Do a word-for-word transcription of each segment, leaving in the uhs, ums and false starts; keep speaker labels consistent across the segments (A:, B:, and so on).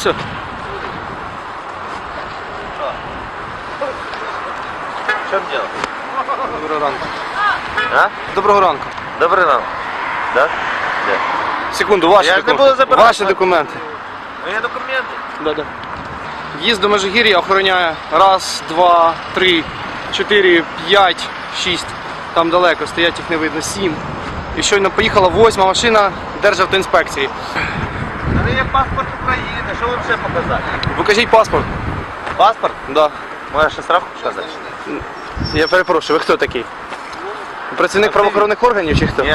A: все.
B: В чем дело?
A: Доброго ранку.
B: А?
A: Доброго ранку.
B: Добрий ранок. Да? Де?
A: Секунду, ваші,
B: Я ж не
A: докум-
B: буду забирати.
A: ваші документи.
B: Мої документи.
A: Да, да. В'їзд до Межигір'я охороняє раз, два, три, чотири, п'ять, шість. Там далеко стоять, їх не видно, сім. І щойно поїхала восьма машина Державтоінспекції.
B: У мене є паспорт України, що вам ще показати?
A: Покажіть паспорт.
B: Паспорт?
A: Да.
B: Моя ще справку показати?
A: Я перепрошую, ви хто такий? Працівник
B: А
A: правоохоронних органів чи хто?
B: Ні.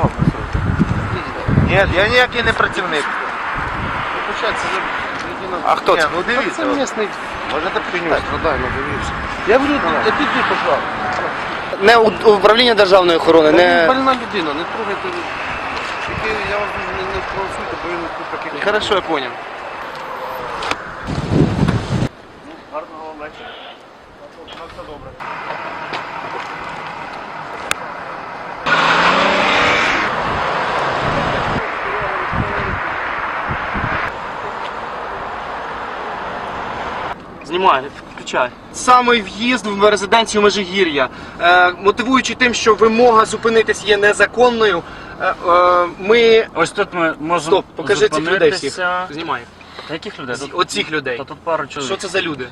B: Ні, я ніякий не працівник.
A: А хто
B: Ні,
A: це?
B: ну дивіться.
A: Це місний.
B: Можете почитати.
A: Я говорю, а ти тут пішла. Не у- управління державної охорони, не...
C: Больна людина, не трогайте. Тільки я вас не, не провокуйте, бо він тут такий.
A: Хорошо, я понял.
C: Гарного вечора. На все добре.
A: Знімай, включай. Саме в'їзд в резиденцію Межигір'я, е, мотивуючи тим, що вимога зупинитись є незаконною, е, е, ми...
D: Ось тут ми можемо
A: Стоп, покажи цих людей всіх.
D: зупинитися.
A: Знімай.
D: Та яких людей?
A: З-
D: Тут-
A: Оцих людей.
D: Та тут пару чоловік.
A: Що це за люди?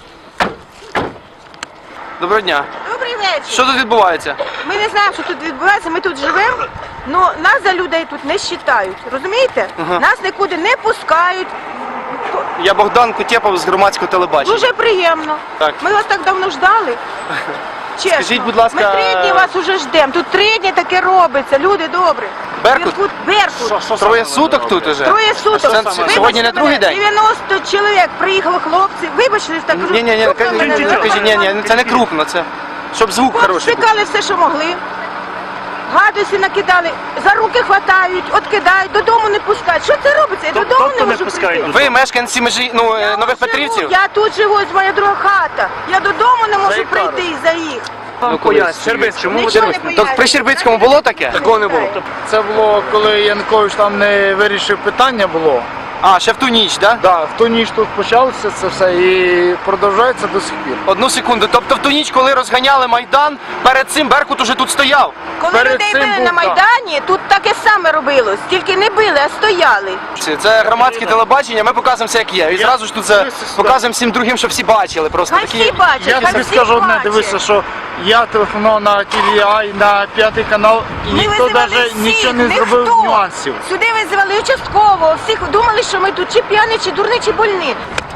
A: Доброго дня.
E: Добрий вечір.
A: Що тут відбувається?
E: Ми не знаємо, що тут відбувається, ми тут живемо, але нас за людей тут не вважають. Розумієте?
A: Ага.
E: Нас нікуди не пускають.
A: Я Богдан Кутєпов з громадського телебачення.
E: Дуже приємно.
A: Так.
E: Ми вас так давно ждали. Чесно.
A: Скажіть, будь ласка,
E: Ми три дні вас уже ждемо. Тут три дні таке робиться. Люди добрі.
A: Беркут?
E: Беркут. Беркут.
D: Що
A: Троє
D: саме
A: суток
D: ви
A: тут
D: робите?
A: уже?
E: Троє суток.
A: Це
E: Вибачте
A: сьогодні не
E: мене,
A: другий день?
E: дев'яносто чоловік приїхало хлопці. Вибачте, так кажу.
A: Ні, ні, ні,
E: крупно мене
A: ні,
E: не
A: ні, ні, це не крупно, це щоб звук хороший був.
E: Стикали все, що могли. Гадості накидали, за руки хватають, откидають, додому не пускають. Що це робиться? Я
D: Тоб-
E: додому
D: тобто
E: не
D: не
E: можу
D: пускають?
E: прийти.
A: Ви мешканці межі, ну, е,
E: Я
A: Нових
E: живу,
A: Петрівців?
E: Я тут живу, ось моя друга хата. Я додому не можу прийти із-за їх.
A: Ну, колись. Щербицький.
E: Чому ви
A: Нічого
E: не
A: не
E: пояснюєте?
A: Так при Щербицькому було таке?
E: Такого не було.
C: Це було, коли Янукович там не вирішив питання було.
A: А, ще в ту ніч, так? Да?
C: Да, в ту ніч тут почалося це все і продовжується до сих пір.
A: Одну секунду. Тобто в ту ніч, коли розганяли Майдан, перед цим Беркут уже тут стояв.
E: Коли
C: Перед
E: людей
C: цим
E: били
C: був,
E: на
C: так.
E: Майдані, тут таке саме робилось. Тільки не били, а стояли.
A: Це- Це громадське телебачення, ми показуємо все як є. І зразу ж тут це показуємо всім другим, щоб всі бачили. Просто
E: Хай
A: такі.
E: всі бачать,
C: Я
E: хай
C: тобі
E: всі
C: скажу одне,
E: бачать.
C: дивися, що я телефонував на Ті Ві Ай, на п'ятий канал, і
E: Ми
C: ніхто
E: визивали
C: навіть
E: всіх,
C: нічого не
E: ніхто.
C: зробив нюансів.
E: Сюди визивали участкового, всіх думали, що ми тут чи п'яні, чи дурні, чи больні.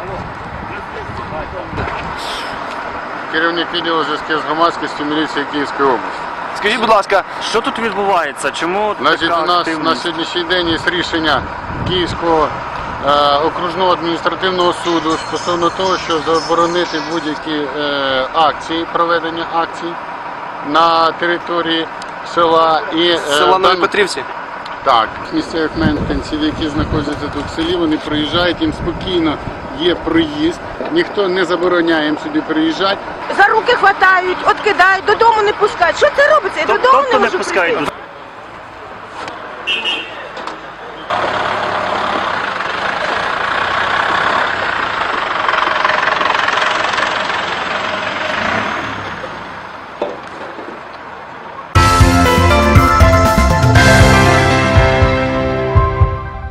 F: Керівник відділу зв'язків з громадськістю міліції Київської області.
A: Скажіть, будь ласка,
D: Що тут відбувається? Чому
F: Значить,
D: така
F: у нас
D: активність?
F: на сьогоднішній день є рішення Київського е, окружного адміністративного суду стосовно того, що заборонити будь-які е, акції, проведення акцій на території села і е,
A: села Нові
F: дан-
A: Петрівці?
F: Так, місцевих мешканців, які знаходяться тут в селі, вони приїжджають, їм спокійно є проїзд, ніхто не забороняє їм сюди приїжджати.
E: За руки хватають, откидають, додому не пускають. Що це робиться? Я
D: Тоб-
E: додому
D: Тобто
E: не
D: не
E: можу
D: пускають?
E: прийти.